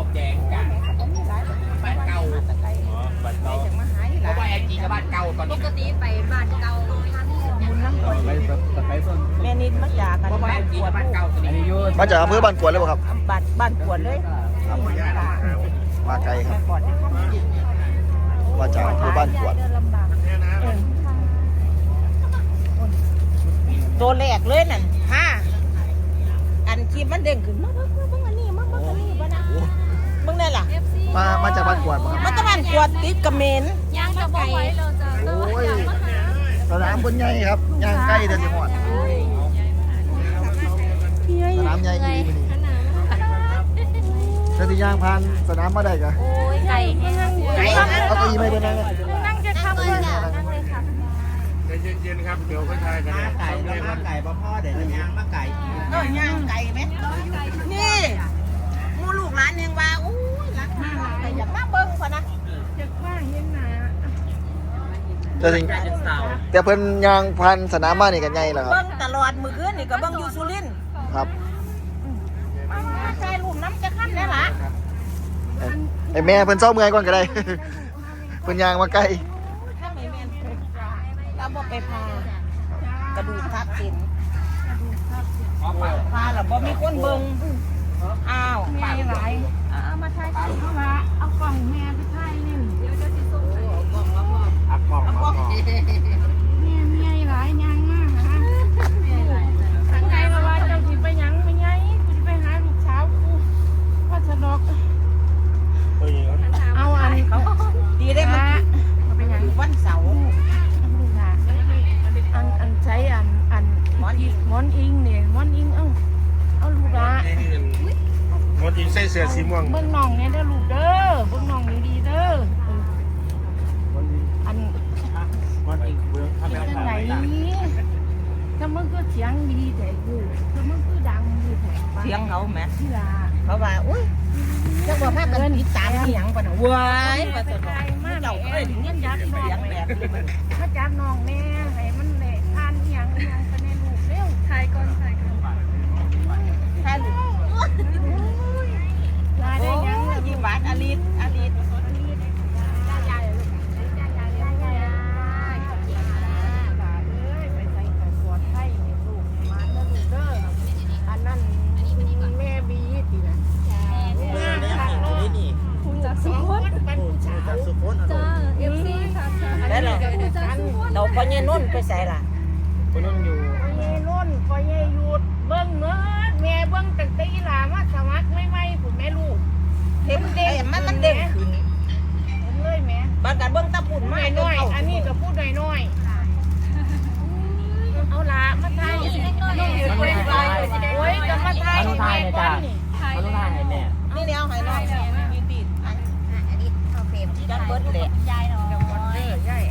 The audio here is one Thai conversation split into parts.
บอกแจงกันบ้านเก่าบ้านเก่าเพราะว่าแอนจีกับบ้านเก่าตอนนี้ปกติไปบ้านเก่าทางบุญน้ำคนแม่นิดมาจากกันบ้านกวดมาจากอำเภอบ้านกวดเลยบ่ครับบ้านกวดเลยมาไกลครับมาจากอำเภอบ้านกวดตัวแรกเลยนั่นอันคลิปมันเด้งขึ้นมาเบิ่งอันนี้มาเบิ่งอันนี้บ่นะเบิ่งได้ล่ะมาจากบ้านกวดมาจากบ้านกวดติดกับเมนย่างจะบอกไว้เราจะโอ้ยสนามบนใหญ่ครับย่างใกล้เดือนสิหมดสนามใหญ่ดีมันนี่ถ้าที่ย่างผ่านสนามมาได้กะโอ้ยไก่เอาตัวอีไม่ได้นั่งนั่งจะทำเลยนั่งเลยค่ะเย็นๆครับเดี๋ยวก็ทายกันไก่แล้วมาไก่พ่อเดี๋ยวจะย่างมาไก่ย่างไก่ไหมนี่มูลูกหลานยังว่าอู้รักมากแต่อยากมาเบิ่งพอนะอยากว่าเห็นหน้าแต่เพิ่นย่างผ่านสนามมานี่กันใหญ่แล้วครับเบิ่งตลอดมื้อคืนนี่ก็เบิ่งอยู่สุรินทร์ครับมาใส่ลูกน้ำจะคั่นได้ล่ะไอ้แม่เพิ่นเศร้าเมื่อยก่อนก็ได้เพิ่นย่างมาใกล้เราบ่ไปพากระดูกทับเส้นพาแล้วบ่มีคนเบิ่งอ้าวไปหลายเอามาถ่ายคลิปเอาละเอากล่องแม่ไปถ่ายนี่เดี๋ยวจะติดส่งให้กล่องแม่หลายยังมากนะทางไงมาว่าเจ้าสิไปยังไปไงกูสิไปหาลูกสาวกูว่าสนอกเอาอันเขาดีได้มั้ยไปยังวันเสาร์อันใช้อันหมอนอิงเนี่ยหมอนอิงเอาลูกละมอนอิงใส่เสื้อสีม่วงเบิ่งน้องเนี่ยเด้อลูกเด้อเบิ่งน้องดีๆเด้ออันมอนอิงจังไหนถ้ามึงก็เสียงดีแต่กูถ้ามึงก็ดังดีแต่เสียงเขาแม่ที่ละเขาว่าอุ้ยจะบอกภาพกันติดตามที่หยังปะน่ะว้ายมาสนใจมากเจ้าเอ้ยถึงเงี้ยยักษ์เสียงแบบนี้มาจับน้องแม่ให้มันแหละทานหยังไปในลูกเร็วถ่ายก่อนถ่ายก่อนทานลูกลาได้ยังยี่บาทอลิศเราพอเงี้ยนุ่นไปใส่ล่ะพอนุ่นอยู่พอเงี้ยนุ่นพอเงี้ยหยุดเบิ้งเนื้อแม่เบิ้งตั้งแต่อีหลามาสมัครไม่ผุนแม่ลูกเห็นเด็กมันเด็กขึ้นเห็นเลยแม่บางการเบิ้งตาปุ่นไม่น้อยอันนี้ก็พูดน้อยเอาละมาไทยน้องหยุดไปโอ้ยจะมาไทยแม่ก้อนนี่มาลูกถ่ายให้แม่นี่แนวไหนน้อยมีปีดอันนี้เอาเฟรมดันเบิร์ดเลยยายเนาะใหญ่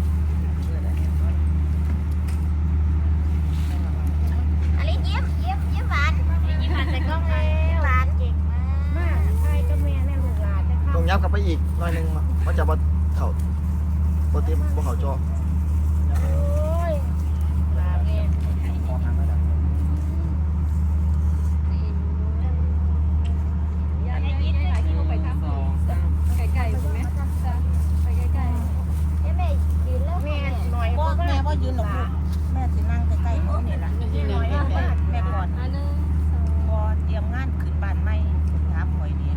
หวานใส่กล้องแล้วหวานเก่งมากใช่ก็แม่แม่ลูกหลานจะเข้าต้องยับกลับไปอีกหน่อยนึงมันจะบ่เข้าบ่เต็มบ่เข้าจอโอ้ยลาแม่ไก่ใช่ไหมไปไก่แม่ยืนแล้วแม่หน่อยแม่ว่ายืนหรอกแม่สินั่งใกล้ๆเขาเนี่ยล่ะแม่ก่อนพอเตรียมงานขึ้นบ้านใหม่ถามหอยดี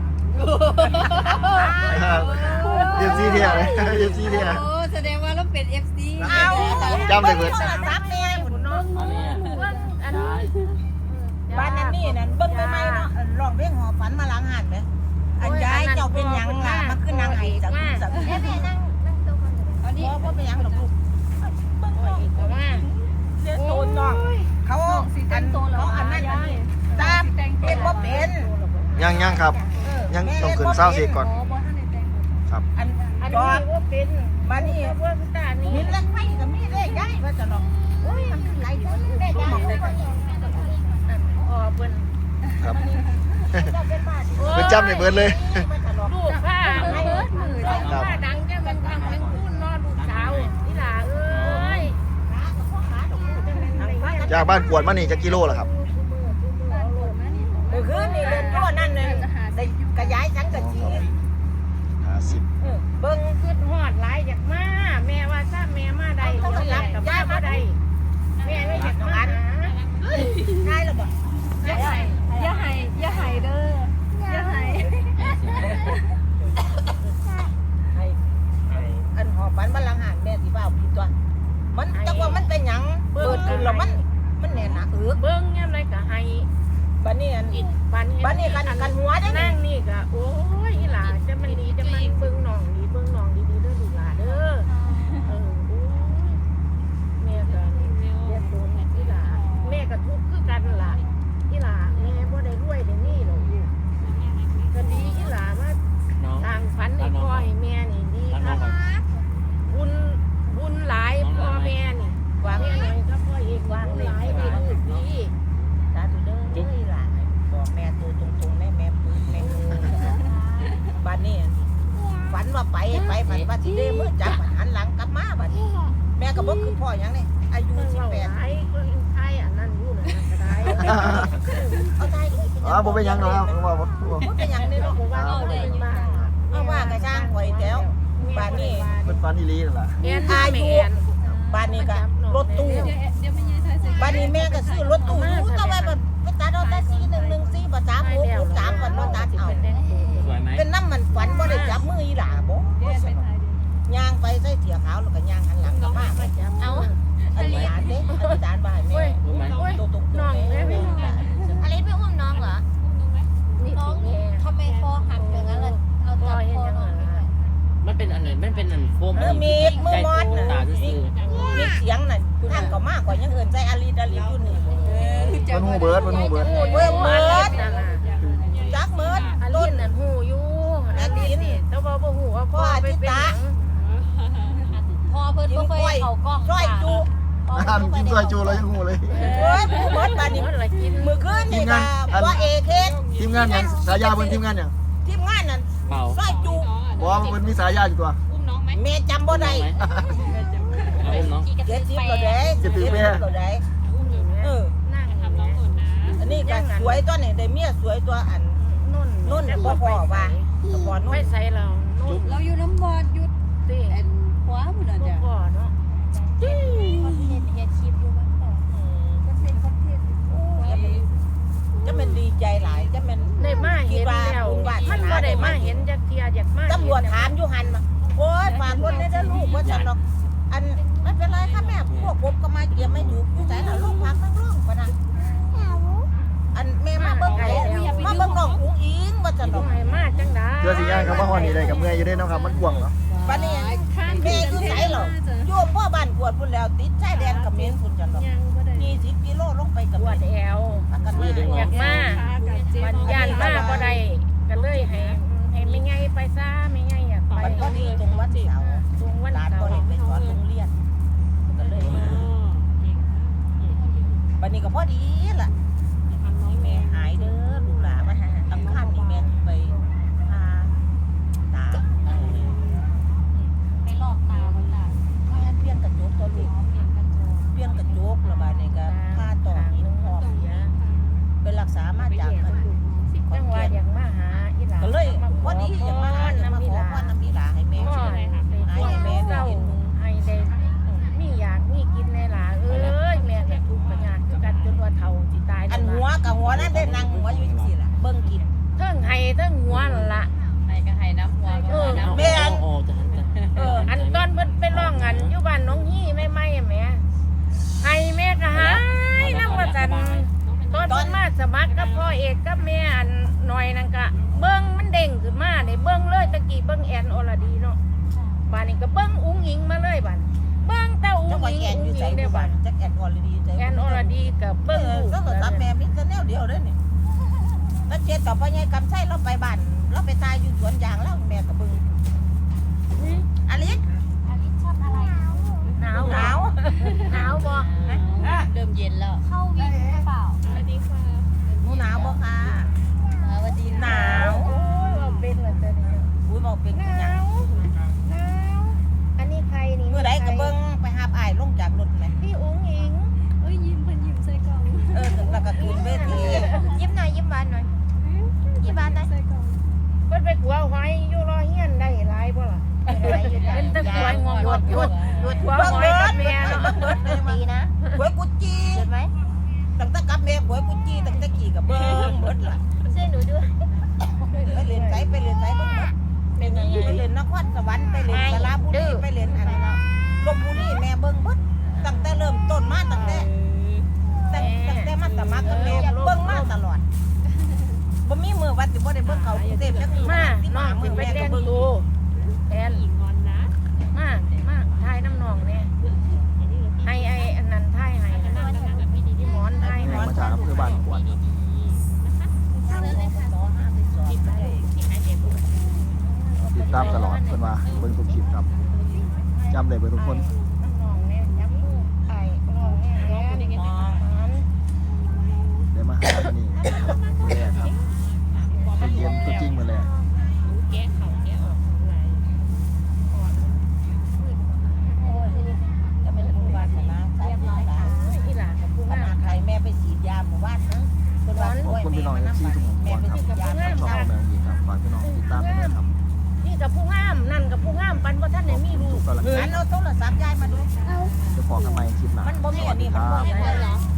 เอฟซีเทียเลยเอฟซีเทียโอ้แสดงว่าเราเป็น FC เอาจำได้เบิดซับแม่หุ่นน้องอันบ้านนั้นนี่นั่นเบิ้งใหม่ๆเนาะร้องเพลงหอฝันมาล้างหันไหมอันย้ายเจ้าเป็นยังล่ะมาขึ้นนางไห้จากแม่นั่งตัวคนตอนนี้พ่อเป็นยังหรอกลูกเบิ้งน้องแต่ว่าเสียโซนน้องเขาอันเขาอันนั้นตามเป็นบ่เป็นยังครับยังต้องขึ้นเศร้าเสียก่อนครับอันจอดเป็นบ้านนี้เพื่อนตานี่หินแล้วไม่กับมีได้ย้ายว่าจะหรอกโอ้ยมันขึ้นไหลขึ้นได้ย้ายอ๋อเปิ้นครับเปิ้นจำได้เบิดเลยลูกข้าข้าดังแค่มันทำเป็นคู่นอนลูกสาวนี่ล่ะเอ้ยจากบ้านกวดมานี่จะกิโลล่ะครับคือนี่เดินก็นั่นเลยกระย้ายฉันก็กันหัวได้นั่งนี่ก็โอ้ยอีหล่าจะมันดีจะมันเบิ่งน้องดีๆเด้อลูกหล่าเด้อโอ้ยแม่ก็เรียกโดนอีหล่าแม่ก็ทุกข์คือกันล่ะอีหล่าแม่บ่ได้รวยได้นี่หรอกลูกก็ดีอีหล่ามาทางฝันให้พ่อให้แม่นี่ดีครับบุญหลายพ่อแม่นี่วางหน่อยก็พ่อเอกวางหลายดีลูกดีสาธุเด้ออีหล่าบอกแม่ตัวตรงๆแม่ปืนแม่บ้านนี้ฝันว่าไปฝันว่าสิได้มื้อจับหันหลังกลับมาบัดนี้แม่ก็บ่คือพ่อหยังนี่อายุ18ไอ้ก็ไทยอันนั้นอยู่นั่นก็ได้เอาไทยบ่เป็นหยังหรอกว่าบ่บ่เป็นหยังนี่เนาะว่าเอาเลยมาเอาว่ากระช่างข่อยแก้วบ้านนี้เพิ่นฝันอีหลีนั่นล่ะอายุบ้านนี้ก็รถตู้บ้านนี้แม่ก็ซื้อรถตู้ก็ไว้แบบไปตัดเอาแต่4114บ่3663วันบ่ตัดเอาเป็นน้ำมันฝันบ่ได้จับมืออีหล่าบ่ย่างไปใส่เสียขาวแล้วก็ย่างหันหลังกลับมาเอาอาจารย์เด้อาจารย์บ่ให้แม่ตกน้องแม่อะไรไปอุ้มน้องเหรอน้องทำไมคอหักอย่างนั้นล่ะเอาจับคอน้องมันเป็นอันไหนมันเป็นอันโฟมมีมือมอดน่ะตาซื่อมีเสียงน่ะทางก็มากกว่ายังเอิ้นใจอาลีดาลีอยู่นี่เพิ่นฮู้เบิดเบิดจักเบิดต้นน่ะฮู้อยู่อาลีนี่แต่ว่าบ่ฮู้ว่าพ่อไปเป็นหยังพอเพิ่นบ่เคยเข้ากล้องซอยจุอ่านกินซอยจูแล้วยังฮู้เลยโอ้ยผู้เบิดบาดนี้มื้อคืนนี่ก็ว่าเอเคสทีมงานหยังสายาเพิ่นทีมงานหยังทีมงานนั่นเปล่าซอยจุบ่ว่าเพิ่นมีสายาอยู่ตัวแม่จำบ่ได้เอาน้อง 70แล้วเด้70แล้วเด้นั่งทำน้องหุ่นนะอันนี้ก็สวยตัวนี่ได้เมียสวยตัวอันนุ่นบ่พอว่าบ่นุ่นไม่ใส่เรานุ่นเราอยู่น้ำบอดยุดติหัวพุ่นน่ะจ้ะบ่เนาะคอนเทนต์เฮ็ดคลิปอยู่บ้านต่อก็เป็นคอนเทนต์จะมันดีใจหลายจะมันได้มาเห็นแล้วมันบ่ได้มาเห็นจักเที่ยอยากมาตำรวจถามอยู่หั่นโอ้ยฝากคนได้เด้อลูกว่าฉันดอกอันไม่เป็นไรค่ะแม่พวกผมก็มาเกี่ยวไม่อยู่อยู่ไสล่ะลูกพักนั่งร้องปะนะอันแม่มาเบิ่งไผมาเบิ่งน้องอุ้งอิงว่าฉันดอกมาจังได๋เพื่อสิย่างคำว่าฮอดนี่ได้กับเมื่อยอยู่เด้เนาะครับมันกว้างเนาะบัดนี้แม่อยู่ไสหรออยู่พ่อบ้านกวดพุ่นแล้วติดชายแดนเขมรพุ่นจังดอก20กิโลลงไปกับวัดแอวกันมาอยากมาบัดย่านมาบ่ได้ก็เลยให้ไม่ไงไปซะไม่ไงอยากไปก็ดีตรงวัดเสาตรงวัดเสาไปสอนโรงเรียนก็เลยมาบัดนี้ก็พอดีล่ะแม่หายเด้อลูกหลานมาหาอังคารนี่แม่ไปพาตาไปลอกตาบ่ล่ะเปลี่ยนกระจกตัวลูกเปลี่ยนกระจกแล้วบัดนี้ก็พาต่อหินพอกไปรักษามาจากกันจังหวะอยากมาหาอีหลาก็เลยพอดีอยากมาหาน้ำมีหลาให้แม่ให้แม่ได้กินให้ได้มีอยากมีกินในหลาเอ้ยแม่ก็ทุกข์ปัญญาคือกันจนว่าเฒ่าสิตายอันหัวกับหัวนั่นได้นั่งหัวอยู่จังซี่ล่ะเบิ่งกินเทิงให้เทิงหัวนั่นล่ะให้ก็ให้น้ำหัวก็น้ำแม่นโอ้จะหันกันอันตอนเพิ่นไปร้องอันอยู่บ้านน้องฮี่ไม่แม่ให้แม่ก็หายนำว่าซั่นตอนเพิ่นมาสมัครกับพ่อเอกกับแม่อันหน่อยนั่นก็เบิ่งมันเด้งขึ้นมานี่เบิ่งเลยตะกี้เบิ่งแอนอรดีเนาะบ้านนี้ก็เบิ่งอุ้งอิงมาเลยบ้านเบิ่งแต่อุ้งอิงได้บ้านจักแอนอรดีแอนอรดีก็เบิ่งลูกก็ตามแม่มีแต่แนวเดียวเด้อนี่แล้วเจ็ดต่อพ่อใหญ่กำไส้เราไปบ้านเราไปตายอยู่สวนยางแล้วแม่ก็เบิ่งอลิศอลิซชอบอะไรหนาวบ่เริ่มเย็นแล้วเข้าวิ่งหรือเปล่าหนูหนาวบ่ค่ะสวัสดีหนาวโอ้ยบอกเป็นเหรอเจ้านี่อุ้ยบอกเป็นหนาวอันนี้ใครนี่เมื่อใดก็เบิ่งไปหาอ้ายลงจากรถแม่พี่อุ้งอิงเอ้ยยิ้มเพิ่นยิ้มใส่กล่องแล้วก็ขึ้นเวทียิ้มหน่อยยิ้มหวานหน่อยยิ้มหวานหน่อยเพิ่นไปขัวหอยอยู่รอเฮียนได้หลายบ่ล่ะเป็นตะขวยงงหยุดขัวหอยกับแม่เนาะดีนะขัวกุจีเห็นไหมตั้งแต่กับแม่ขัวกุจีตั้งแต่ขี่กับเบิ่งเบิดล่ะช่วยหนูด้วยไปเรียนไสเบิ่งไปเรียนนครสวรรค์ไปเรียนสระบุรีไปเรียนอันลพบุรีแม่เบิ่งเบิดตั้งแต่เริ่มต้นมาตั้งแต่มาสมัครกับแม่เบิ่งมาตลอดบ่มีมื้อว่าสิบ่ได้เบิ่งเขาเต็มจักมาน้องสิไปแต่งตัวแอนมาถ่ายน้ำนองเนี่ยให้ไอ้อันนั้นถ่ายให้พี่หมอนถ่ายให้มาจากอำเภอบ้านกวดติดตามตลอดเพิ่นว่าเบิ่งทุกคลิปครับจำได้เบิ่งทุกคนน้ำนองเนี่ยยับลูกไอ้น้องเนี่ยแอนได้มาหาวันนี้มื้อแรกครับไปเยี่ยมตัวจริงมื้อแรกจะเป็นผู้วาสนาสายน้อยหลายอีหลากับผู้ขงานาดใครแม่ไปฉีดยาหมู่บ้านนะคนว่าขอบคุณพี่น้องที่ทุกคนก่อนครับช่องแมวอีครับฝากพี่น้องติดตามด้วยครับนี่กับผู้งามนั่นกับผู้งามปันว่าท่านไหนมีลูทุกกกำลังใจงั้นเอาโทรศัพท์ยายมาดูจะพอกันใหม่คลิปหน้ามันบ่มีสอัวัน สดีนี้คมันรับ่บมีอันนี้